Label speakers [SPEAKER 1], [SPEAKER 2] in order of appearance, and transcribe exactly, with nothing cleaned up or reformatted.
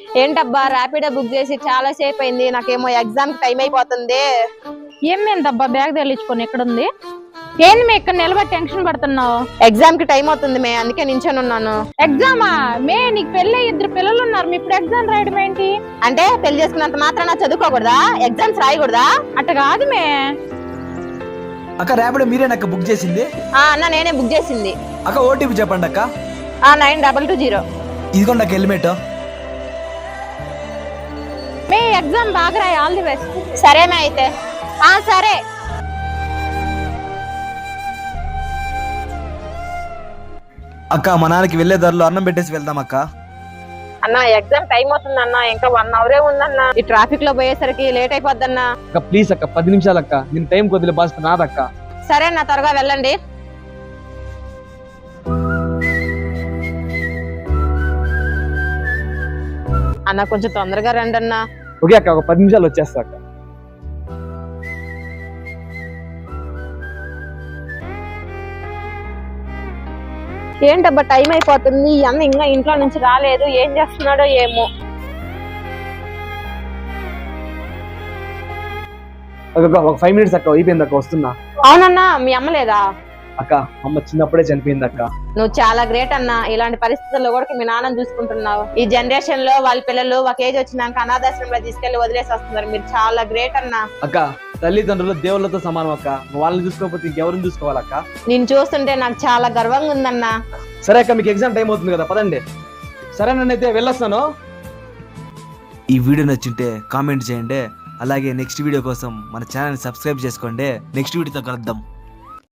[SPEAKER 1] ఏంటబ్బా ర్యాపిడో బుక్ చేసి చాలా సేపు అయింది, నాకేమో ఎగ్జామ్ టైం అయిపోతుంది.
[SPEAKER 2] ఏమేందబ్బా బ్యాగ్ తగిలించుకొని ఎక్కడుంది? ఏంది మే ఇక్కడ నిలబడి టెన్షన్ పడుతున్నావు?
[SPEAKER 1] ఎగ్జామ్ కి టైం అవుతుంది మే, అందుకే నించొని ఉన్నాను.
[SPEAKER 2] ఎగ్జామా మే? నీకు పెళ్ళి ఇద్దరు పిల్లలు ఉన్నారు, మీ ఇప్పుడు ఎగ్జామ్ రాయడం ఏంటి?
[SPEAKER 1] అంటే పెళ్లి చేసుకున్నంత మాత్రాన చదువుకోకూడదా? ఎగ్జామ్స్ రాయకూడదా?
[SPEAKER 2] అట్ట కాదు మే.
[SPEAKER 3] అక్క ర్యాపిడో మీరేనక్క బుక్ చేసింది?
[SPEAKER 1] ఆ అన్న నేనే బుక్ చేసింది.
[SPEAKER 3] అక్క ఓటీపీ చెప్పండి అక్క.
[SPEAKER 1] ఆ నైన్ డబల్ టూ జీరో.
[SPEAKER 3] ఇదిగోండి అక్క హెల్మెట్.
[SPEAKER 2] మే ఎగ్జామ్ బాగా రాయి, ఆల్ ది బెస్ట్.
[SPEAKER 1] సరేనా అయితే? ఆ సరే.
[SPEAKER 3] అక్క మా నాన్నకి వెళ్లే దారిలో అన్నం పెట్టేసి వెళ్దాం అక్క.
[SPEAKER 1] అన్న ఎగ్జామ్ టైం అవుతుంది అన్న, ఇంకా వన్ అవరే ఉందన్న. ఈ ట్రాఫిక్ లో పోయేసరికి లేట్ అయిపోద్దన్న.
[SPEAKER 4] అక్క ప్లీజ్ అక్క, పది నిమిషాలు అక్క, నేను టైం కొద్దిలే బాధ్యత నాదక్క.
[SPEAKER 1] సరే అన్న, త్వరగా వెళ్ళండి. అన్న కొంచెం తొందరగా రండి అన్న.
[SPEAKER 4] ఓకే అక్క, ఒక పది నిమిషాలు వచ్చేస్తా అక్క.
[SPEAKER 1] ఏంటబ్బా టైం అయిపోతుంది, ఈ అన్న ఇంకా ఇంట్లో నుంచి రాలేదు, ఏం చేస్తున్నాడో ఏమో.
[SPEAKER 4] ఒక ఫైవ్ మినిట్స్ అక్క, అయిపోయింది అక్క, వస్తున్నా.
[SPEAKER 1] అవునన్నా, మీ అమ్మ లేదా?
[SPEAKER 4] అక్క అమ్మ చిన్నప్పుడే చనిపోయింది అక్క.
[SPEAKER 1] నువ్వు చాలా గ్రేట్ అన్న, ఇలాంటి పరిస్థితుల్లో కూడా మీ నాన్నని చూసుకుంటున్నావు. ఈ జనరేషన్ లో వాళ్ళ పిల్లలు ఒక ఏజ్ వచ్చినాక అనాథాశ్రమంలో తీసుకెళ్లి వదిలేసి వస్తున్నారు, మీరు చాలా గ్రేట్ అన్న.
[SPEAKER 4] అక్క తల్లిదండ్రులు దేవుళ్ళతో సమానం అక్క, వాళ్ళని చూసుకోకపోతే ఇంకెవరిని చూసుకోవాలక్క?
[SPEAKER 1] నేను చూస్తుంటే నాకు చాలా గర్వంగా ఉందన్నా.
[SPEAKER 4] సరే అక్క, మీకు ఎగ్జామ్ టైం అవుతుంది కదా, పదండి. సరే నన్నైతే వెళ్ళొస్తాను.
[SPEAKER 3] ఈ వీడియో నచ్చింటే కామెంట్ చేయండి, అలాగే నెక్స్ట్ వీడియో కోసం మన ఛానల్ సబ్స్క్రైబ్ చేసుకోండి. నెక్స్ట్ వీడియోతో కలుద్దాం.